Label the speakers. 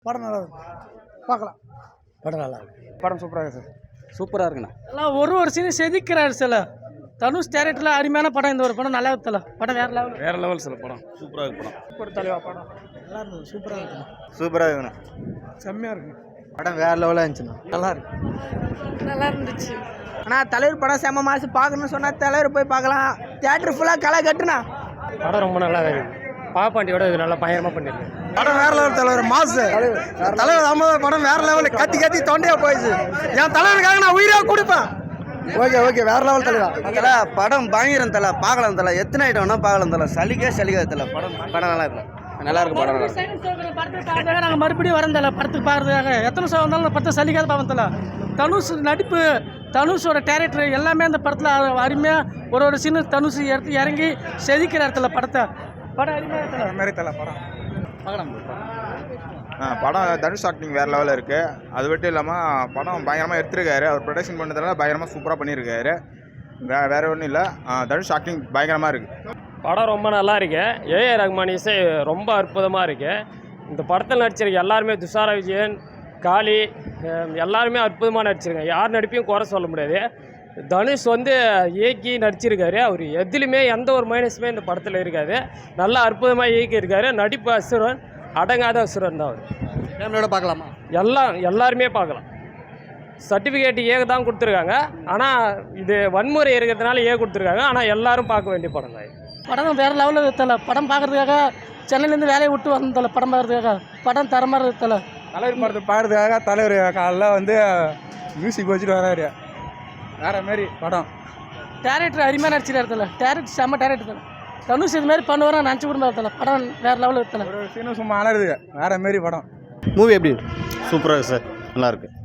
Speaker 1: படம் நல்லா இருக்கு, பார்க்கலாம். படம் நல்லா இருக்கு.
Speaker 2: படம் சூப்பராக இருக்குது சார். சூப்பராக இருக்குண்ணா.
Speaker 3: எல்லாம் ஒரு சீன் செதுக்கிறாரு சில தனுஷ் டேரக்டரில் அருமையான படம். இந்த ஒரு படம் நல்லா இருக்குல்ல, படம் வேற லெவல்
Speaker 2: சில படம் சூப்பராக இருக்கு. படம்
Speaker 3: சூப்பர் தலைவா படம்
Speaker 1: நல்லா இருந்தது, சூப்பராக இருக்குண்ணா.
Speaker 2: சூப்பராக இருக்குண்ணா.
Speaker 1: செம்மையாக இருக்கு.
Speaker 2: படம் வேற லெவலாக இருந்துச்சுண்ணா. நல்லா இருக்கு.
Speaker 3: நல்லா இருந்துச்சு.
Speaker 4: ஆனால் தலைவர் படம் செம்ம மாசு. பார்க்கணும்னு சொன்னால் தலைவர் போய் பார்க்கலாம். தியேட்டர் ஃபுல்லாக களை கட்டுனா.
Speaker 3: படம் ரொம்ப நல்லா இருக்கு. பாப்பாண்டியோட இது நல்லா பயங்கரமாக பண்ணிருக்கு.
Speaker 2: படம் வேற லெவல். தலைவர் மாசு. தலைவர் அம்மதார் படம் வேற லெவல். கத்தி தொண்டையா போயிடுச்சு. என் தலைவருக்காக நான் உயிராக கொடுப்பேன். ஓகே வேற லெவல் தலைவர். தலை படம் பயங்கரம் தலை. பார்க்கலாம் தலை. எத்தனை ஐட்டம் வேணா பார்க்கலாம் தலை. சலிக்கா தலை. படம் நல்லா இருக்கு. நல்லா இருக்கு படம்.
Speaker 3: படத்துக்காக நாங்கள் மறுபடியும் வரந்தல படத்துக்கு பார்க்கறதுக்காக. எத்தனை ஷோ வந்தாலும் அந்த படத்தை சலிக்காத பார்ப்பதில்ல. தனுஷ் நடிப்பு, தனுஷோட டேரக்டர் எல்லாமே அந்த படத்தில் அருமையாக ஒரு சீனு தனுஷ் எடுத்து இறங்கி செதுக்கிற இடத்துல படத்தை. படம் அருமையாக
Speaker 2: மாதிரி தலை படம்
Speaker 3: பார்க்கலாம்.
Speaker 5: படம் தனுஷ் ஆக்டிங் வேறு லெவலில் இருக்குது. அது மட்டும் இல்லாமல் படம் பயங்கரமாக எடுத்துருக்காரு. அவர் ப்ரொடக்ஷன் பண்ணதுனால பயங்கரமாக சூப்பராக பண்ணியிருக்காரு. வேறு ஒன்றும் இல்லை, தனுஷ் ஆக்டிங் பயங்கரமாக இருக்குது.
Speaker 6: படம் ரொம்ப நல்லா இருக்கு. ஏஆர் ரஹ்மான் இசை ரொம்ப அற்புதமாக இருக்குது. இந்த படத்தில் நடிச்சிருக்க எல்லாருமே, துஷாரா விஜயன், காளி, எல்லாருமே அற்புதமாக நடிச்சிருக்காங்க. யார் நடிப்பையும் குறை சொல்ல முடியாது. தனுஷ் இயக்கி நடிச்சிருக்காரு. அவர் எதுலையுமே எந்த ஒரு மைனஸுமே இந்த படத்தில் இருக்காது. நல்லா அற்புதமாக இயக்கியிருக்காரு. நடிப்பு அசுரன், அடங்காத அசுரன் தான் அவர்.
Speaker 2: ஃபேமிலியோட பார்க்கலாமா?
Speaker 6: எல்லாருமே பார்க்கலாம். சர்டிஃபிகேட் ஏக தான் கொடுத்துருக்காங்க. ஆனால் இது வன்முறை இருக்கிறதுனால கொடுத்துருக்காங்க. ஆனால் எல்லாரும் பார்க்க வேண்டிய படம் தான்.
Speaker 3: படம் வேறு லெவலில் இருக்கல. படம் பார்க்குறதுக்காக சென்னையிலேருந்து வேலையை விட்டு வந்தல படம் பார்க்குறதுக்காக. படம் தரமாக இருக்கல.
Speaker 2: தலைவர் படத்தை பாடுறதுக்காக தலைவர் காலைல மியூசிக் வச்சுட்டு வராரு. வேற மாதிரி படம்.
Speaker 3: டேரக்டர் அருமையாக நடிச்சிருக்க இடத்துல. டேரக்டர் செம்ம டேரக்டர் தான். தனுஷ் இது மாதிரி பண்ணுவார் நினச்சி கூட இடத்துல. படம் வேறு லெவலில் இருக்கல.
Speaker 2: ஒரு சீனும் சும்மா அலருது. வேற மாதிரி படம்.
Speaker 7: மூவி எப்படி? சூப்பராக இருக்குது சார். நல்லாயிருக்கு.